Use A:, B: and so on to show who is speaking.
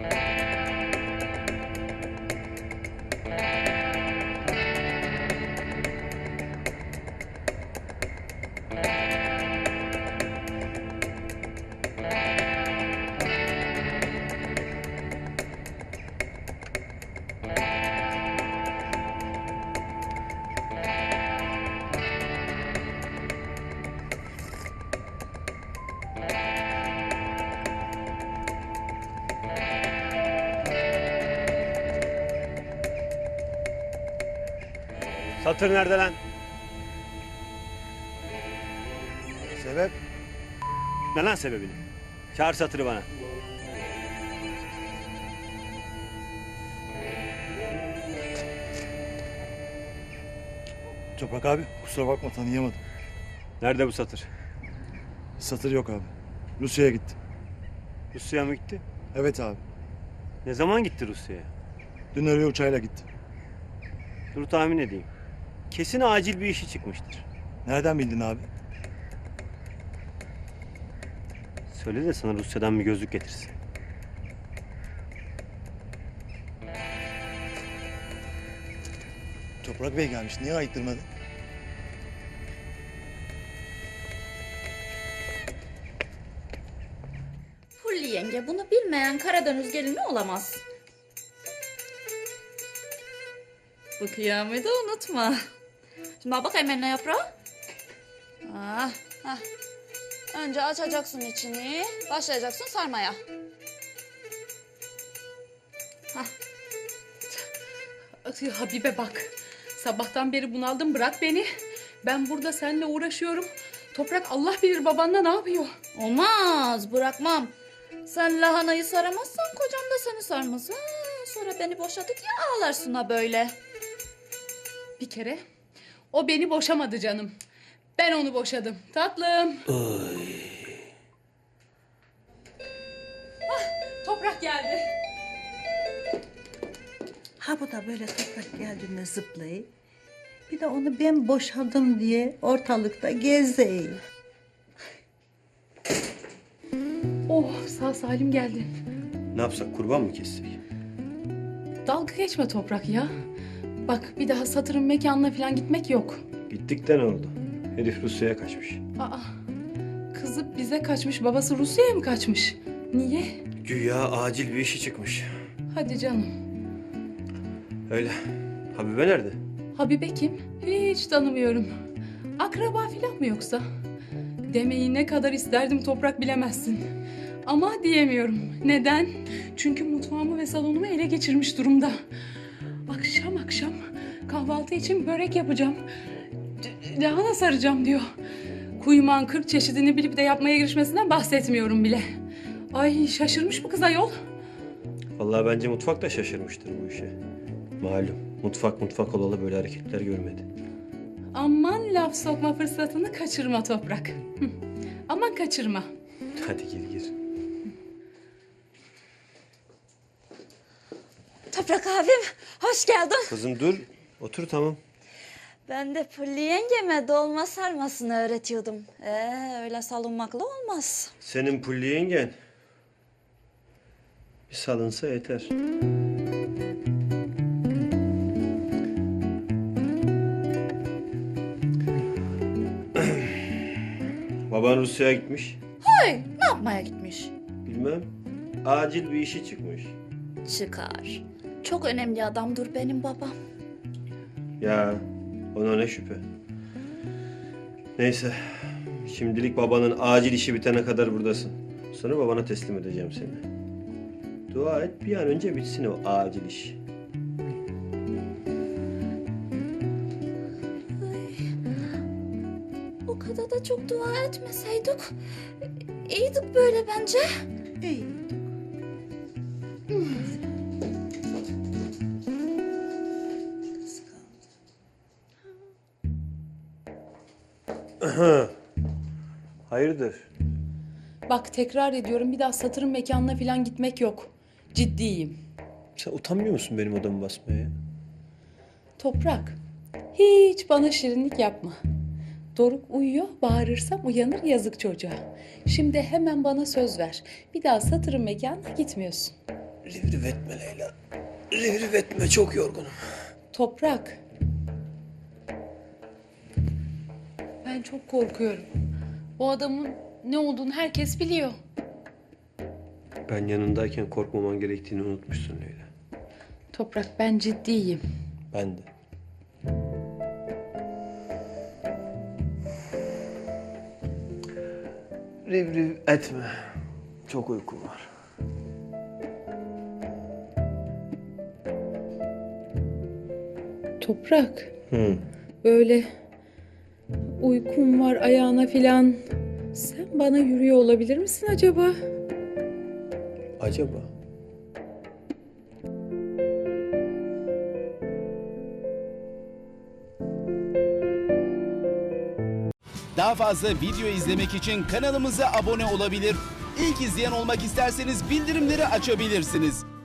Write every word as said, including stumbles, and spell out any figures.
A: Satır nerede lan?
B: Sebep?
A: Ne lan sebebini? Çağır satırı bana.
B: Toprak abi kusura bakma tanıyamadım.
A: Nerede bu satır?
B: Satır yok abi. Rusya'ya gitti.
A: Rusya'ya mı gitti?
B: Evet abi.
A: Ne zaman gitti Rusya'ya?
B: Dün öyle uçağıyla gitti.
A: Dur tahmin edeyim. Kesin acil bir işi çıkmıştır.
B: Nereden bildin abi?
A: Söyle de sana Rusya'dan bir gözlük getirsin.
B: Toprak Bey gelmiş. Niye ayıttırmadı?
C: Hulli yenge, bunu bilmeyen Karadeniz gelini olamaz. Bu kıyameti unutma. Şimdi bak bakayım eline yaprağı. Ah, ah. Önce açacaksın içini, başlayacaksın sarmaya. Hah.
D: Habibe bak. Sabahtan beri bunaldım, bırak beni. Ben burada seninle uğraşıyorum. Toprak Allah bilir babanla ne yapıyor.
C: Olmaz, bırakmam. Sen lahanayı saramazsan kocam da seni sarmaz. Ha, sonra beni boşadı diye ağlarsın ha böyle.
D: Bir kere o beni boşamadı canım. Ben onu boşadım. Tatlım. Ah, Toprak geldi.
E: Ha bu da böyle toprak geldiğinde zıplayıp bir de onu ben boşadım diye ortalıkta gezeyim.
D: Oh, sağ salim geldin.
A: Ne yapsak, kurban mı kessek?
D: Dalga geçme Toprak ya. Bak bir daha satırın mekanına falan gitmek yok.
A: Gittik de ne oldu? Herif Rusya'ya kaçmış.
D: Aa, kızı bize kaçmış, babası Rusya'ya mı kaçmış? Niye?
A: Güya acil bir işi çıkmış.
D: Hadi canım.
A: Öyle. Habibe nerede?
D: Habibe kim? Hiç tanımıyorum. Akraba falan mı yoksa? Demeyi ne kadar isterdim Toprak, bilemezsin. Ama diyemiyorum. Neden? Çünkü mutfağımı ve salonumu ele geçirmiş durumda. Akşam akşam kahvaltı için börek yapacağım. D- Lahana saracağım diyor. Kuyumağın kırk çeşidini bilip de yapmaya girişmesinden bahsetmiyorum bile. Ay şaşırmış bu kız ayol.
A: Vallahi bence mutfak da şaşırmıştır bu işe. Malum mutfak mutfak olalı böyle hareketler görmedi.
D: Aman laf sokma fırsatını kaçırma Toprak. Hı. Aman kaçırma.
A: Hadi gir gir.
C: Toprak abim, hoş geldin.
A: Kızım dur. Otur tamam.
C: Ben de Pulli yengeme dolma sarmasını öğretiyordum. Ee, öyle salınmakla olmaz.
A: Senin Pulli yengen bir salınsa yeter. Baban Rusya'ya gitmiş.
C: Hey, ne yapmaya gitmiş?
A: Bilmem. Acil bir işi çıkmış.
C: Çıkar. Çok önemli adamdır benim babam.
A: Ya ona ne şüphe. Neyse. Şimdilik babanın acil işi bitene kadar buradasın. Sonra babana teslim edeceğim seni. Dua et bir an önce bitsin o acil iş.
C: O kadar da çok dua etmeseydik. İyiydik böyle bence.
E: İyi.
A: Hayırdır?
D: Bak tekrar ediyorum, bir daha satırın mekanına falan gitmek yok. Ciddiyim.
A: Sen utanmıyor musun benim odamı basmaya?
D: Toprak, hiç bana şirinlik yapma. Doruk uyuyor, bağırırsam uyanır, yazık çocuğa. Şimdi hemen bana söz ver. Bir daha satırın mekanına gitmiyorsun.
A: Riv riv etme Leyla. Riv riv etme, çok yorgunum.
D: Toprak. Ben çok korkuyorum. Bu adamın ne olduğunu herkes biliyor.
A: Ben yanındayken korkmaman gerektiğini unutmuşsun Leyla.
D: Toprak, ben ciddiyim.
A: Ben de. Riv riv etme. Çok uykum var.
D: Toprak.
A: Hı.
D: Böyle uykum var ayağına filan. Sen bana yürüyor olabilir misin acaba?
A: Acaba?
F: Daha fazla video izlemek için kanalımıza abone olabilir. İlk izleyen olmak isterseniz bildirimleri açabilirsiniz.